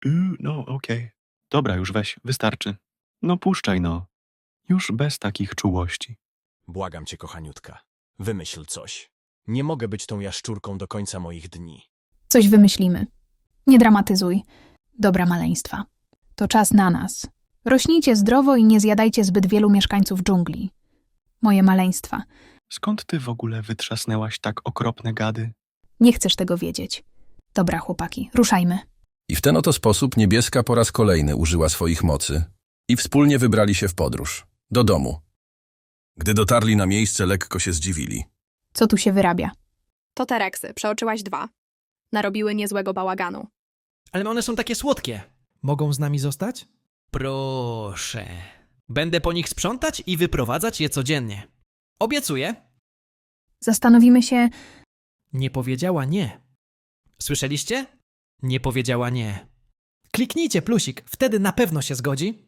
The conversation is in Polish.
No, okej. Dobra, już weź, wystarczy. No puszczaj, no. Już bez takich czułości. Błagam cię, kochaniutka. Wymyśl coś. Nie mogę być tą jaszczurką do końca moich dni. Coś wymyślimy. Nie dramatyzuj. Dobra maleństwa. To czas na nas. Rośnijcie zdrowo i nie zjadajcie zbyt wielu mieszkańców dżungli. Moje maleństwa. Skąd ty w ogóle wytrzasnęłaś tak okropne gady? Nie chcesz tego wiedzieć. Dobra, chłopaki, ruszajmy. I w ten oto sposób Niebieska po raz kolejny użyła swoich mocy i wspólnie wybrali się w podróż. Do domu. Gdy dotarli na miejsce, lekko się zdziwili. Co tu się wyrabia? To te reksy, przeoczyłaś 2. Narobiły niezłego bałaganu. Ale one są takie słodkie. Mogą z nami zostać? Proszę. Będę po nich sprzątać i wyprowadzać je codziennie. Obiecuję. Zastanowimy się... Nie powiedziała nie. Słyszeliście? Nie powiedziała nie. Kliknijcie plusik, wtedy na pewno się zgodzi.